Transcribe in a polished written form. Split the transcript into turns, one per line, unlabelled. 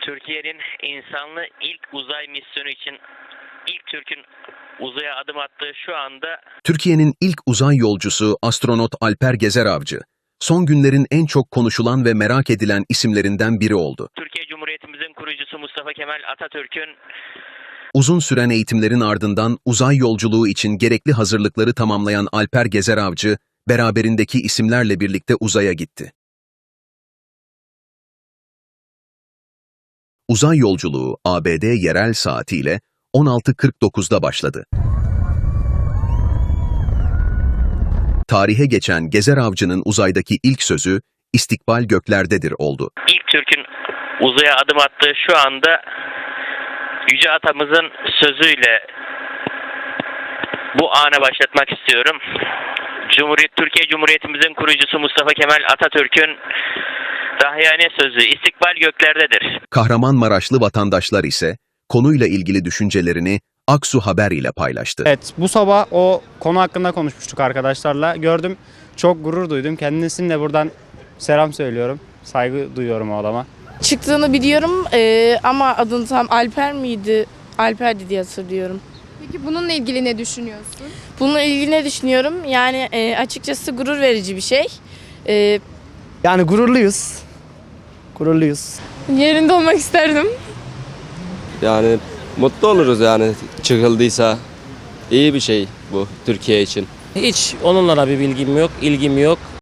Türkiye'nin insanlı ilk uzay misyonu için ilk Türk'ün uzaya adım attığı şu anda
Türkiye'nin ilk uzay yolcusu astronot Alper Gezer Avcı, son günlerin en çok konuşulan ve merak edilen isimlerinden biri oldu.
Türkiye Cumhuriyetimizin kurucusu Mustafa Kemal Atatürk'ün
Uzun süren eğitimlerin ardından uzay yolculuğu için gerekli hazırlıkları tamamlayan Alper Gezer Avcı, beraberindeki isimlerle birlikte uzaya gitti. Uzay yolculuğu ABD yerel saatiyle 16:49'da başladı. Tarihe geçen Gezer Avcı'nın uzaydaki ilk sözü "İstikbal göklerdedir" oldu.
ilk Türk'ün uzaya adım attığı şu anda Yüce Atamızın sözüyle bu ana başlatmak istiyorum. Türkiye Cumhuriyetimizin kurucusu Mustafa Kemal Atatürk'ün dahiyane sözü "İstikbal göklerdedir."
Kahramanmaraşlı vatandaşlar ise konuyla ilgili düşüncelerini Aksu Haber ile paylaştı.
Evet, bu sabah o konu hakkında konuşmuştuk arkadaşlarla. Gördüm, çok gurur duydum. Kendisine de buradan selam söylüyorum. Saygı duyuyorum o adama.
Çıktığını biliyorum ama adını tam Alper miydi? Alper'di diye hatırlıyorum.
Peki bununla ilgili ne düşünüyorsun?
Bununla ilgili ne düşünüyorum? Yani açıkçası gurur verici bir şey.
Yani gururluyuz. Gururluyuz.
Yerinde olmak isterdim.
Yani mutlu oluruz yani çıkıldıysa. İyi bir şey bu Türkiye için.
Hiç onunla bir bilgim yok, ilgim yok.